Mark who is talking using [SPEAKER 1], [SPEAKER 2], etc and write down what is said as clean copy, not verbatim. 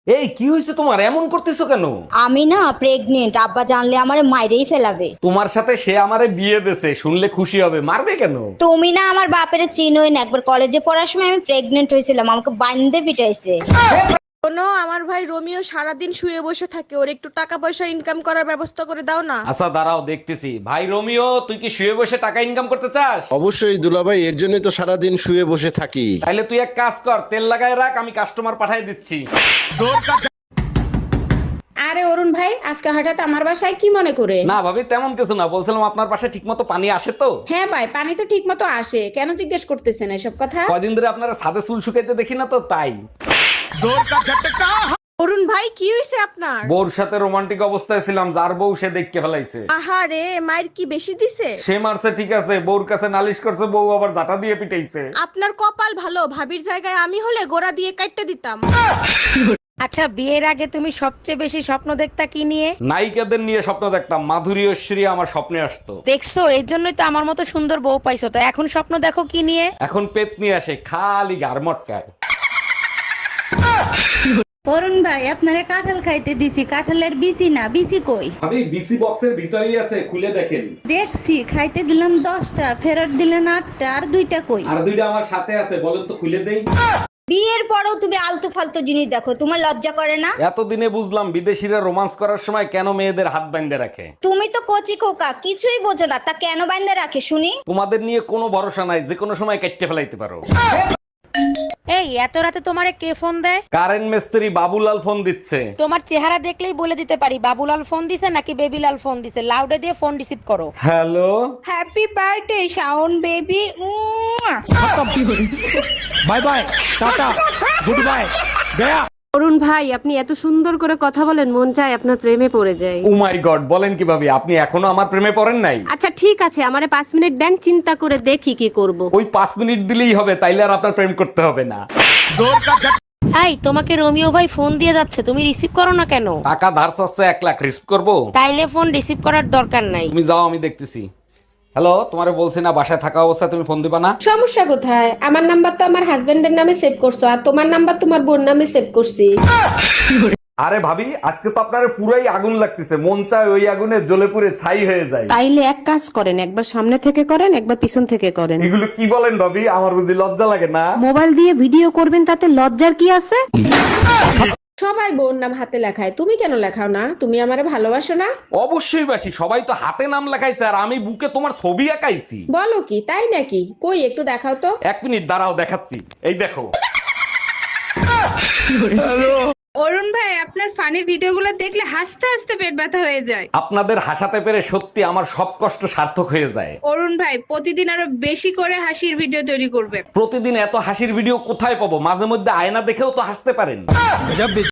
[SPEAKER 1] এই কি হয়েছে তোমার, এমন করতেছো কেন?
[SPEAKER 2] আমি না প্রেগনেন্ট, আব্বা জানলে আমারে মাইরেই ফেলাবে।
[SPEAKER 1] তোমার সাথে সে আমারে বিয়ে দেছে, শুনলে খুশি হবে, মারবে কেন?
[SPEAKER 2] তুমি না আমার বাপের চিনোই না, একবার কলেজে পড়ার সময় আমি প্রেগনেন্ট হয়েছিলাম, আমাকে বান্ধে পিটাইছে।
[SPEAKER 3] শোনো, আমার ভাই রোমিও সারাদিন শুয়ে বসে থাকে, ওর একটু টাকা পয়সা ইনকাম করার ব্যবস্থা করে দাও না।
[SPEAKER 1] আচ্ছা দাঁড়াও দেখতেছি। ভাই রোমিও, তুই কি শুয়ে বসে টাকা ইনকাম করতে চাস?
[SPEAKER 4] অবশ্যই দুলাভাই, এর জন্যই তো সারাদিন শুয়ে বসে থাকি।
[SPEAKER 1] তাহলে তুই এক কাজ কর, তেল লাগায় রাখ, আমি কাস্টমার পাঠিয়ে দিচ্ছি।
[SPEAKER 5] আরে অরুণ ভাই, আজকে হঠাৎ আমার বাসায় কি মনে করে?
[SPEAKER 1] না ভাবি, তেমন কিছু না, বলছিলাম আপনার পাশে ঠিক মতো পানি আসে তো?
[SPEAKER 5] হ্যাঁ ভাই, পানি তো ঠিক মতো আসে, কেন জিজ্ঞেস করতেছেন এসব কথা?
[SPEAKER 1] কয়দিন ধরে আপনারা ছাদে চুল শুকাইতে দেখি না তো, তাই।
[SPEAKER 3] অরুণ ভাই, কি হয়েছে আপনার?
[SPEAKER 1] বউর সাথে রোমান্টিক অবস্থায় ছিলাম, যার বউ সে দেখকে ফেলাইছে।
[SPEAKER 3] আহারে, মায়ের কি বেশি দিছে?
[SPEAKER 1] সে মারছে ঠিক আছে, বউর কাছে নালিশ করছে, বউ আবার জাটা দিয়ে পিটাইছে।
[SPEAKER 3] আপনার কপাল ভালো, ভাবির জায়গায় আমি হলে গোড়া দিয়ে কাটতে দিতাম।
[SPEAKER 6] আচ্ছা, বিয়ের আগে তুমি সবচেয়ে বেশি স্বপ্ন দেখতা কি নিয়ে?
[SPEAKER 1] নায়িকাদের নিয়ে স্বপ্ন দেখতাম, মাধুরী ঐশ্বরী আমার স্বপ্নে আসতো।
[SPEAKER 6] দেখছো, এর জন্যই তো আমার মতো সুন্দর বউ পাইছো। তো এখন স্বপ্ন দেখো কি নিয়ে?
[SPEAKER 1] এখন পেট নিয়ে আসে, খালি গারমটকায়।
[SPEAKER 7] অরুণ ভাই, আপনারে কাঁঠাল খাইতে দিছি, কাঁঠালের বিচি না, বিচি কই?
[SPEAKER 1] ভাবি বিসি বক্সের ভিতরেই আছে, খুলে দেখেন।
[SPEAKER 7] দেখছি, খাইতে দিলাম 10টা, ফেরত দিলেন 8টা, আর 2টা কই?
[SPEAKER 1] আর দুইটা আমার সাথে আছে, বলেন তো খুলে দেই।
[SPEAKER 2] বিয়ের পরেও তুমি আলতু ফালতু জিনিস দেখো, তোমার লজ্জা করে না?
[SPEAKER 1] এতদিনে বুঝলাম বিদেশিরা রোমান্স করার সময় কেন মেয়েদের হাত বাইন্ধে রাখে।
[SPEAKER 2] তুমি তো কচি খোকা, কিছুই বোঝো না, তা কেন বান্ধে রাখে শুনি?
[SPEAKER 1] তোমাদের নিয়ে কোনো ভরসা নাই, যে কোনো সময় কেটে ফেলাইতে পারো।
[SPEAKER 6] এই এত রাতে তোমারে কে ফোন দেয়?
[SPEAKER 1] কারেন্ট মিস্ত্রি বাবুলাল ফোন দিচ্ছে।
[SPEAKER 6] তোমার চেহারা দেখলেই বলে দিতে পারি বাবুলাল ফোন দিছে নাকি বেবিলাল ফোন দিছে। লাউডে দিয়ে ফোন রিসিভ করো।
[SPEAKER 1] Hello.
[SPEAKER 7] Happy birthday Shaon baby.
[SPEAKER 8] Bye bye, tata, good bye, গয়া।
[SPEAKER 9] অরুণ ভাই, আপনি এত সুন্দর করে কথা বলেন, মন চায় আপনার প্রেমে পড়ে যায়।
[SPEAKER 1] ও মাই গড, বলেন কি ভাবি, আপনি এখনো আমার প্রেমে পড়েন নাই?
[SPEAKER 9] আচ্ছা ঠিক আছে, আমারে 5 মিনিট দেন, চিন্তা করে দেখি কি করব।
[SPEAKER 1] ওই 5 মিনিট দিলেই হবে, তাইলে আর আপনার প্রেম করতে হবে না।
[SPEAKER 6] এই, তোমাকে রোমিও ভাই ফোন দিয়ে যাচ্ছে, তুমি রিসিভ করো না কেন?
[SPEAKER 1] টাকা ধার চাচ্ছে 1 লাখ, রিস্ক করবো?
[SPEAKER 6] তাইলে ফোন রিসিভ করার দরকার নাই।
[SPEAKER 1] তুমি যাও, আমি দেখতেছি। হ্যালো, তোমারে বলছি না বাসায় থাকা অবস্থায় তুমি ফোন দিবা না?
[SPEAKER 5] সমস্যা কোথায়? আমার নাম্বার তো আমার হাজবেন্ডের নামে সেভ করছো, আর তোমার নাম্বার তোমার বোন নামে সেভ করছি।
[SPEAKER 1] আরে ভাবি, আজকে তো আপনার পুরাই আগুন লাগতেছে, মন চায় ওই আগুনে জ্বলে পুড়ে ছাই হয়ে যায়।
[SPEAKER 9] তাইলে এক কাজ করেন, একবার সামনে থেকে করেন, একবার পিছন থেকে করেন।
[SPEAKER 1] এগুলো কি বলেন ভাবি, আমার বুঝি লজ্জা লাগে না?
[SPEAKER 9] মোবাইল দিয়ে ভিডিও করবেন, তাতে লজ্জার কি আছে?
[SPEAKER 5] সবাই বোন নাম হাতে লেখায়, তুমি কেন লেখাও না? তুমি আমারে ভালোবাসো না?
[SPEAKER 1] অবশ্যই বাসি, সবাই তো হাতে নাম লেখাইছে আর আমি বুকে তোমার ছবি আঁকাইছি।
[SPEAKER 5] বলো কি, তাই নাকি? কই একটু দেখাও তো।
[SPEAKER 1] 1 মিনিট দাঁড়াও, দেখাচ্ছি, এই দেখো।
[SPEAKER 7] অরুণ ভাই, আপনার ফানি ভিডিওগুলো দেখলে হাসতে হাসতে পেট ব্যথা হয়ে যায়।
[SPEAKER 1] আপনাদের হাসাতে পেরে সত্যি আমার সব কষ্ট সার্থক হয়ে যায়।
[SPEAKER 7] অরুণ ভাই, প্রতিদিন আরো বেশি করে হাসির ভিডিও তৈরি করবেন।
[SPEAKER 1] প্রতিদিন এত হাসির ভিডিও কোথায় পাবো? মাঝে মধ্যে আয়না দেখেও তো হাসতে পারেন।